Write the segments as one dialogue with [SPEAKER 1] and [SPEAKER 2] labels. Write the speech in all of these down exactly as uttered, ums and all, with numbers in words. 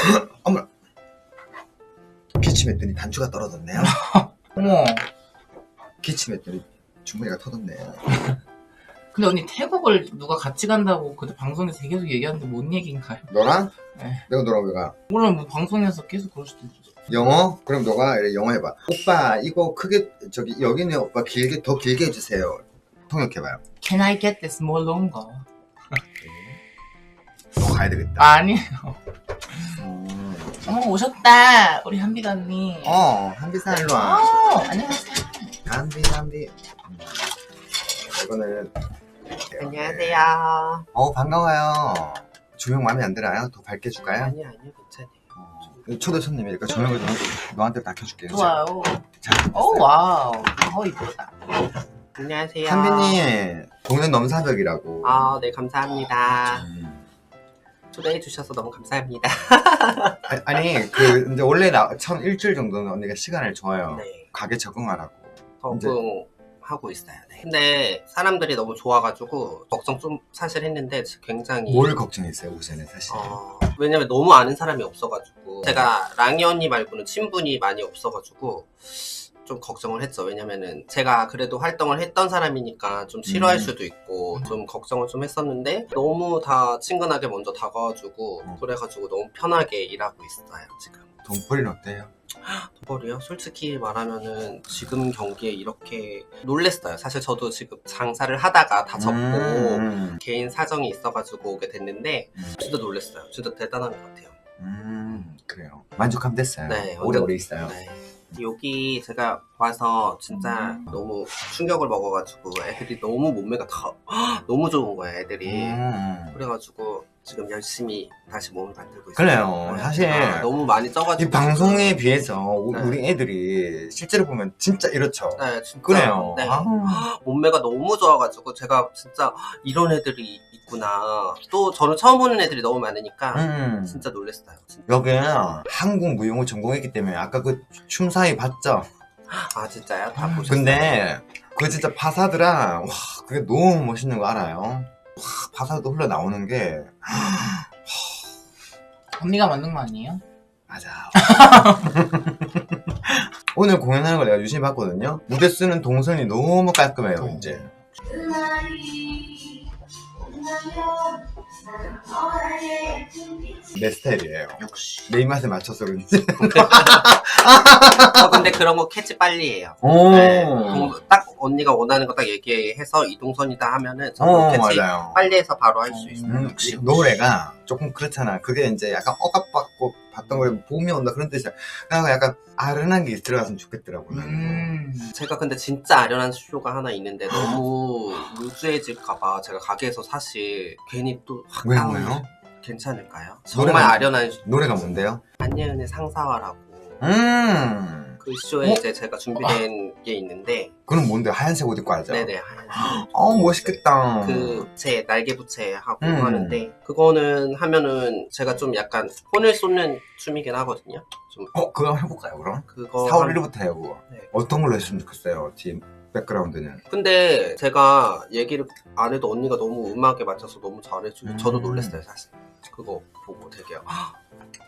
[SPEAKER 1] 어머, 기침했더니 단추가 떨어졌네요.
[SPEAKER 2] 어머.
[SPEAKER 1] 기침했더니 주머니가 터졌네요.
[SPEAKER 2] 근데 언니 태국을 누가 같이 간다고 그때 방송에서 계속 얘기하는데 뭔 얘기인가요?
[SPEAKER 1] 너랑?
[SPEAKER 2] 네.
[SPEAKER 1] 내가 너랑 왜 가?
[SPEAKER 2] 물론 뭐 방송에서 계속 그럴 수도 있어.
[SPEAKER 1] 영어? 그럼 너가 이래 영어 해봐. 오빠 이거 크게 저기 여기는 오빠 길게 더 길게 해주세요. 통역해봐요.
[SPEAKER 2] Can I get this more longer?
[SPEAKER 1] 너 가야 되겠다.
[SPEAKER 2] 아니에요.
[SPEAKER 1] 음.
[SPEAKER 2] 어머 오셨다 우리 한비가 언니.
[SPEAKER 1] 어 한비사 일로 와.
[SPEAKER 2] 어, 안녕하세요.
[SPEAKER 1] 한비 한비. 음. 이거는
[SPEAKER 3] 안녕하세요.
[SPEAKER 1] 어 반가워요. 조명 마음에 안 들어요? 더 밝게 줄까요?
[SPEAKER 3] 아니요, 아니요, 괜찮아요.
[SPEAKER 1] 어, 초대 손님이니까 조명을 좀 너한테 다 켜줄게요.
[SPEAKER 2] 좋아요.
[SPEAKER 1] 자,
[SPEAKER 2] 오 와우. 어 이쁘다.
[SPEAKER 3] 안녕하세요.
[SPEAKER 1] 한비님 동네 넘사벽이라고.
[SPEAKER 3] 아, 네, 감사합니다.
[SPEAKER 1] 음.
[SPEAKER 3] 초대해 주셔서 너무 감사합니다.
[SPEAKER 1] 아니, 아니 그 이제 원래 나 처음 일주일 정도는 언니가 시간을 줘요.
[SPEAKER 3] 네,
[SPEAKER 1] 가게 적응하라고.
[SPEAKER 3] 적응하고 있어요. 네. 근데 사람들이 너무 좋아가지고 걱정 좀 사실 했는데 굉장히
[SPEAKER 1] 뭘 걱정했어요 우선은 사실.
[SPEAKER 3] 어, 왜냐면 너무 아는 사람이 없어가지고 제가 랑이 언니 말고는 친분이 많이 없어가지고 좀 걱정을 했죠. 왜냐면은 제가 그래도 활동을 했던 사람이니까 좀 싫어할
[SPEAKER 1] 음.
[SPEAKER 3] 수도 있고 좀 걱정을 좀 했었는데 너무 다 친근하게 먼저 다가와주고
[SPEAKER 1] 음.
[SPEAKER 3] 그래가지고 너무 편하게 일하고 있어요 지금.
[SPEAKER 1] 돈벌이는 어때요?
[SPEAKER 3] 돈벌이요? 솔직히 말하면은 지금 경기에 이렇게 놀랬어요. 사실 저도 지금 장사를 하다가 다 접고
[SPEAKER 1] 음,
[SPEAKER 3] 개인 사정이 있어가지고 오게 됐는데
[SPEAKER 1] 음.
[SPEAKER 3] 진짜 놀랬어요. 진짜 대단한 것 같아요.
[SPEAKER 1] 음 그래요. 만족하면 됐어요.
[SPEAKER 3] 네,
[SPEAKER 1] 오래오래 있어요.
[SPEAKER 3] 네. 여기 제가 와서 진짜
[SPEAKER 2] 음.
[SPEAKER 3] 너무 충격을 먹어가지고 애들이 너무 몸매가 다 너무 좋은 거예요 애들이.
[SPEAKER 1] 음.
[SPEAKER 3] 그래가지고 지금 열심히 다시 몸을 만들고 있어요.
[SPEAKER 1] 그래요.
[SPEAKER 3] 네.
[SPEAKER 1] 사실
[SPEAKER 3] 아, 너무 많이 쪄가지고
[SPEAKER 1] 이 방송에 비해서 우-
[SPEAKER 3] 네.
[SPEAKER 1] 우리 애들이 실제로 보면 진짜 이렇죠.
[SPEAKER 3] 네 진짜
[SPEAKER 1] 그래요.
[SPEAKER 3] 네.
[SPEAKER 1] 아.
[SPEAKER 3] 몸매가 너무 좋아가지고 제가 진짜 이런 애들이 있구나. 또 저는 처음 보는 애들이 너무 많으니까
[SPEAKER 1] 음.
[SPEAKER 3] 진짜 놀랐어요. 진짜.
[SPEAKER 1] 여기는 한국 무용을 전공했기 때문에 아까 그 춤 사이 봤죠?
[SPEAKER 3] 아 진짜요? 다 보셨어요?
[SPEAKER 1] 근데 그 진짜 파사드랑 와 그게 너무 멋있는 거 알아요? 와 파사드 흘러나오는 게
[SPEAKER 2] 언니가 만든 거 아니에요?
[SPEAKER 1] 맞아. 오늘 공연하는 걸 내가 유심히 봤거든요. 무대 쓰는 동선이 너무 깔끔해요. 이제 내 스타일이에요.
[SPEAKER 2] 역시.
[SPEAKER 1] 내 입맛에 맞춰서 그런지.
[SPEAKER 3] 어, 근데 그런 거 캐치 빨리 해요.
[SPEAKER 1] 오.
[SPEAKER 3] 네, 동- 딱 언니가 원하는 거 딱 얘기해서 이 동선이다 하면은 저는
[SPEAKER 1] 어,
[SPEAKER 3] 캐치
[SPEAKER 1] 맞아요.
[SPEAKER 3] 빨리 해서 바로 할 수 있어요.
[SPEAKER 1] 음,
[SPEAKER 2] 역시.
[SPEAKER 1] 노래가 조금 그렇잖아. 그게 이제 약간 억압받고 봤던 거에 봄이 온다 그런 뜻이야. 그래서 약간 아른한 게 들어갔으면 좋겠더라고요.
[SPEAKER 2] 음.
[SPEAKER 3] 제가 근데 진짜 아련한 쇼가 하나 있는데 너무 루즈해질까봐 제가 가게에서 사실 괜히 또확
[SPEAKER 1] 왜 뭐예요?
[SPEAKER 3] 괜찮을까요? 정말
[SPEAKER 1] 노래가-
[SPEAKER 3] 아련한 쇼.
[SPEAKER 1] 노래가 뭔데요?
[SPEAKER 3] 안예은의 상사화라고
[SPEAKER 1] 음.
[SPEAKER 3] 그 쇼에
[SPEAKER 1] 어?
[SPEAKER 3] 이제 제가 준비된 게 있는데
[SPEAKER 1] 그럼 뭔데? 하얀색 옷 입고 하죠?
[SPEAKER 3] 네네 하얀색
[SPEAKER 1] 어 멋있겠다.
[SPEAKER 3] 그 부채 날개 부채 하고
[SPEAKER 1] 음.
[SPEAKER 3] 하는데 그거는 하면은 제가 좀 약간 혼을 쏟는 춤이긴 하거든요. 좀
[SPEAKER 1] 어 그거 한번 해볼까요 그럼?
[SPEAKER 3] 그거
[SPEAKER 1] 사월
[SPEAKER 3] 한-
[SPEAKER 1] 일일부터 해요 그거.
[SPEAKER 3] 네.
[SPEAKER 1] 어떤 걸로 했으면 좋겠어요 팀 백그라운드는.
[SPEAKER 3] 근데 제가 얘기를 안 해도 언니가 너무 음악에 맞춰서 너무 잘해주고
[SPEAKER 1] 음.
[SPEAKER 3] 저도 놀랐어요 사실. 그거 보고 되게 헉.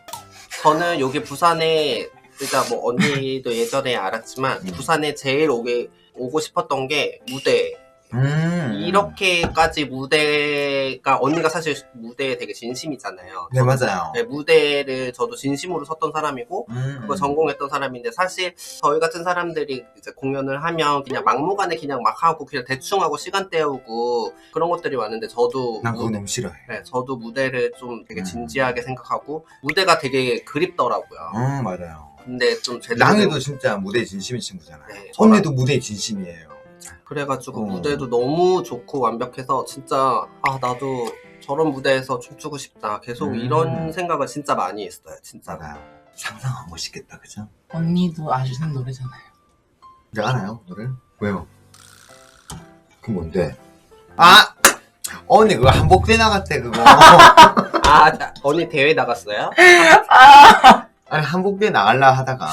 [SPEAKER 3] 저는 여기 부산에 일단 뭐 언니도 예전에 알았지만
[SPEAKER 1] 음.
[SPEAKER 3] 부산에 제일 오게 오고 싶었던 게 무대.
[SPEAKER 1] 음.
[SPEAKER 3] 이렇게까지 무대가 언니가 사실 무대에 되게 진심이잖아요.
[SPEAKER 1] 네 맞아요.
[SPEAKER 3] 네, 무대를 저도 진심으로 섰던 사람이고
[SPEAKER 1] 음.
[SPEAKER 3] 그거 전공했던 사람인데 사실 저희 같은 사람들이 이제 공연을 하면 그냥 막무가내 그냥 막 하고 그냥 대충 하고 시간 때우고 그런 것들이 많은데 저도
[SPEAKER 1] 난 그거
[SPEAKER 3] 무-
[SPEAKER 1] 너무 싫어해.
[SPEAKER 3] 네, 저도 무대를 좀 되게
[SPEAKER 1] 음.
[SPEAKER 3] 진지하게 생각하고 무대가 되게 그립더라고요.
[SPEAKER 1] 음 맞아요.
[SPEAKER 3] 근데 좀 제대로
[SPEAKER 1] 랑이도 진짜 무대에 진심인 친구잖아요.
[SPEAKER 3] 네, 저랑-
[SPEAKER 1] 언니도 무대에 진심이에요.
[SPEAKER 3] 그래가지고
[SPEAKER 1] 어.
[SPEAKER 3] 무대도 너무 좋고 완벽해서 진짜 아 나도 저런 무대에서 춤추고 싶다 계속
[SPEAKER 1] 음.
[SPEAKER 3] 이런 생각을 진짜 많이 했어요 진짜.
[SPEAKER 1] 맞아요. 상상하면 멋있겠다 그죠?
[SPEAKER 2] 언니도 아시는 노래잖아요.
[SPEAKER 1] 내가 알아요 노래? 왜요? 그 뭔데? 아! 언니 그거 한복대 나갔대 그거.
[SPEAKER 3] 아 자, 언니 대회 나갔어요?
[SPEAKER 1] 아니 한복대 나갈라 하다가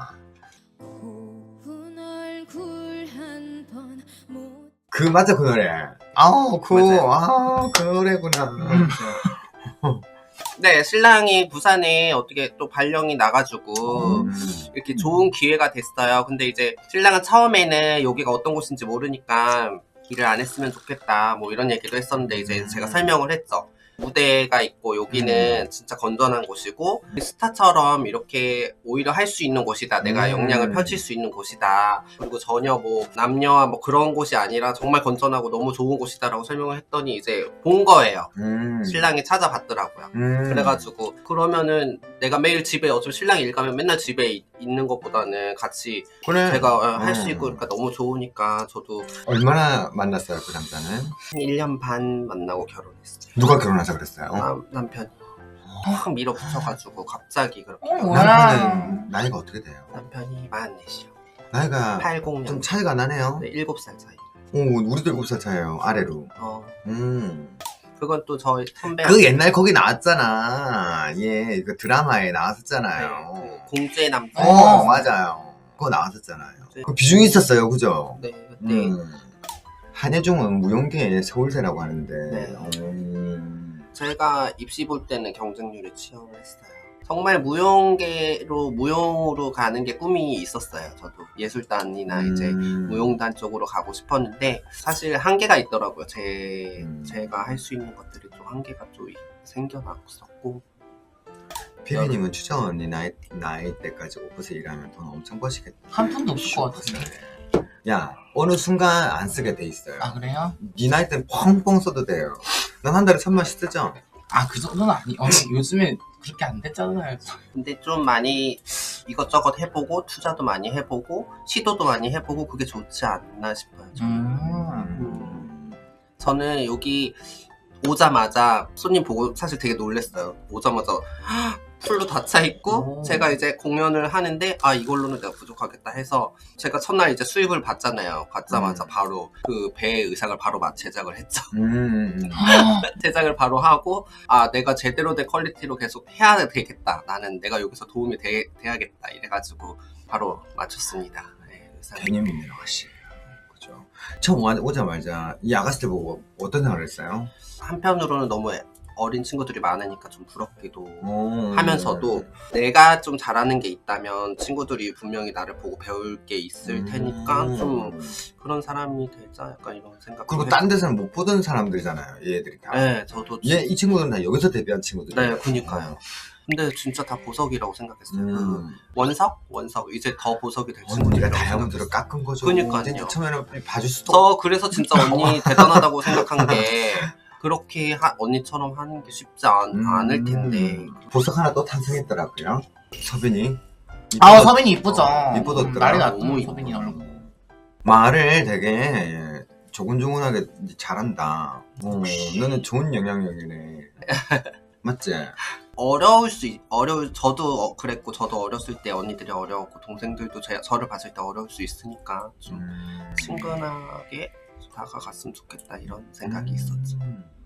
[SPEAKER 1] 그 맞아 그 노래. 아우 그
[SPEAKER 3] 맞아요.
[SPEAKER 1] 아, 그 노래구나.
[SPEAKER 3] 네, 신랑이 부산에 어떻게 또 발령이 나가지고
[SPEAKER 1] 음.
[SPEAKER 3] 이렇게 좋은 기회가 됐어요. 근데 이제 신랑은 처음에는 여기가 어떤 곳인지 모르니까 일을 안 했으면 좋겠다 뭐 이런 얘기도 했었는데 이제 제가 설명을 했죠. 무대가 있고 여기는 진짜 건전한 곳이고 스타처럼 이렇게 오히려 할 수 있는 곳이다. 내가
[SPEAKER 1] 음.
[SPEAKER 3] 역량을 펼칠 수 있는 곳이다. 그리고 전혀 뭐 남녀와 뭐 그런 곳이 아니라 정말 건전하고 너무 좋은 곳이다라고 설명을 했더니 이제 본 거예요.
[SPEAKER 1] 음.
[SPEAKER 3] 신랑이 찾아봤더라고요.
[SPEAKER 1] 음.
[SPEAKER 3] 그래가지고 그러면은 내가 매일 집에 어차피 신랑이 일 가면 맨날 집에 이- 있는 것보다는 같이
[SPEAKER 1] 그래.
[SPEAKER 3] 제가 할 수
[SPEAKER 1] 음.
[SPEAKER 3] 있고 그러니까 너무 좋으니까 저도
[SPEAKER 1] 얼마나 만났어요 그 남자는?
[SPEAKER 3] 한 일 년 반 만나고 결혼했어요.
[SPEAKER 1] 누가 결혼하자 그랬어요?
[SPEAKER 3] 남, 남편이 확 밀어붙여가지고 갑자기 그렇게
[SPEAKER 2] 어,
[SPEAKER 3] 결혼-
[SPEAKER 2] 뭐야.
[SPEAKER 1] 남편은 나이가 어떻게 돼요?
[SPEAKER 3] 남편이 마흔넷이요.
[SPEAKER 1] 나이가
[SPEAKER 3] 팔십 년.
[SPEAKER 1] 좀 차이가 나네요.
[SPEAKER 3] 네, 일곱 살 차이.
[SPEAKER 1] 오, 우리도 일곱 살 차이에요 아래로.
[SPEAKER 3] 어,
[SPEAKER 1] 음.
[SPEAKER 3] 그건 또 저희 선배.
[SPEAKER 1] 그 옛날 거기 나왔잖아. 예, 그 드라마에 나왔었잖아요.
[SPEAKER 3] 그 공주의 남편.
[SPEAKER 1] 어, 맞아요. 그거 나왔었잖아요. 그 비중이 있었어요, 그죠?
[SPEAKER 3] 네, 그때
[SPEAKER 1] 음. 한예종은 무용계의 서울대라고 하는데.
[SPEAKER 3] 네.
[SPEAKER 1] 음.
[SPEAKER 3] 제가 입시 볼 때는 경쟁률에 취업을 했어요. 정말 무용계로 무용으로 가는 게 꿈이 있었어요. 저도 예술단이나 이제
[SPEAKER 1] 음.
[SPEAKER 3] 무용단 쪽으로 가고 싶었는데 사실 한계가 있더라고요. 제
[SPEAKER 1] 음.
[SPEAKER 3] 제가 할 수 있는 것들이 좀 한계가 좀 생겨났었고.
[SPEAKER 1] 피디님은 추정 언니 나이, 나이 때까지 오프세 일하면 돈 엄청 버시겠다.
[SPEAKER 2] 한 푼도 없을 것 같은데.
[SPEAKER 1] 야, 어느 순간 안 쓰게 돼 있어요.
[SPEAKER 2] 아 그래요?
[SPEAKER 1] 네 나이 때는 펑펑 써도 돼요. 난 한 달에 천만씩 쓰죠?
[SPEAKER 2] 아 그 정도는 아니. 언니 요즘에 그렇게 안 됐잖아요.
[SPEAKER 3] 근데 좀 많이 이것저것 해보고 투자도 많이 해보고 시도도 많이 해보고 그게 좋지 않나 싶어요. 저는.
[SPEAKER 2] 음.
[SPEAKER 3] 저는 여기 오자마자 손님 보고 사실 되게 놀랐어요. 오자마자 풀로 다 차 있고
[SPEAKER 2] 오.
[SPEAKER 3] 제가 이제 공연을 하는데 아 이걸로는 내가 부족하겠다 해서 제가 첫날 이제 수입을 받잖아요. 받자마자
[SPEAKER 1] 음.
[SPEAKER 3] 바로 그 배의 의상을 바로 막 제작을 했죠.
[SPEAKER 1] 음.
[SPEAKER 3] 제작을 바로 하고 아 내가 제대로 된 퀄리티로 계속 해야 되겠다. 나는 내가 여기서 도움이 돼, 돼야겠다. 이래가지고 바로 맞췄습니다. 네, 의상을.
[SPEAKER 1] 개념이네요, 확실히. 그죠. 처음 와- 오자마자 이 아가씨들 보고 어떤 생각을 했어요?
[SPEAKER 3] 한편으로는 너무 어린 친구들이 많으니까 좀 부럽기도
[SPEAKER 1] 오.
[SPEAKER 3] 하면서도 내가 좀 잘하는 게 있다면 친구들이 분명히 나를 보고 배울 게 있을
[SPEAKER 1] 음.
[SPEAKER 3] 테니까 좀 그런 사람이 되자 약간 이런 생각.
[SPEAKER 1] 그리고 딴 데서는 못 보던 사람들이잖아요, 얘들이 다.
[SPEAKER 3] 네, 저도
[SPEAKER 1] 얘, 이 친구들은 다 여기서 데뷔한 친구들이에요.
[SPEAKER 3] 네, 그니까요. 근데 진짜 다 보석이라고 생각했어요. 그
[SPEAKER 1] 음.
[SPEAKER 3] 원석? 원석. 이제 더 보석이 될
[SPEAKER 1] 언니가
[SPEAKER 3] 친구들이라고
[SPEAKER 1] 다이아몬드를
[SPEAKER 3] 생각했어요.
[SPEAKER 1] 깎은 거죠.
[SPEAKER 3] 그니까요.
[SPEAKER 1] 진짜 처음에는 봐줄 수도
[SPEAKER 3] 저 그래서 진짜 언니 대단하다고 생각한 게 그렇게 하, 언니처럼 하는 게 쉽지 않,
[SPEAKER 1] 음.
[SPEAKER 3] 않을 텐데.
[SPEAKER 1] 보석 하나 또 탄생했더라고요. 서빈이.
[SPEAKER 2] 아
[SPEAKER 1] 이뻐졌-
[SPEAKER 2] 서빈이 이쁘죠.
[SPEAKER 1] 어, 이뻐졌더라.
[SPEAKER 2] 난리
[SPEAKER 3] 너무
[SPEAKER 2] 났죠
[SPEAKER 3] 이뻐.
[SPEAKER 2] 서빈이 얼굴.
[SPEAKER 1] 말을 되게 조곤조곤하게 잘한다. 어, 너는 좋은 영향력이네. 맞지?
[SPEAKER 3] 어려울 수 있, 어려울 저도 어, 그랬고 저도 어렸을 때 언니들이 어려웠고 동생들도 제, 저를 봤을 때 어려울 수 있으니까 좀
[SPEAKER 1] 음.
[SPEAKER 3] 친근하게 다가갔으면 좋겠다 이런 생각이
[SPEAKER 1] 음.
[SPEAKER 3] 있었죠.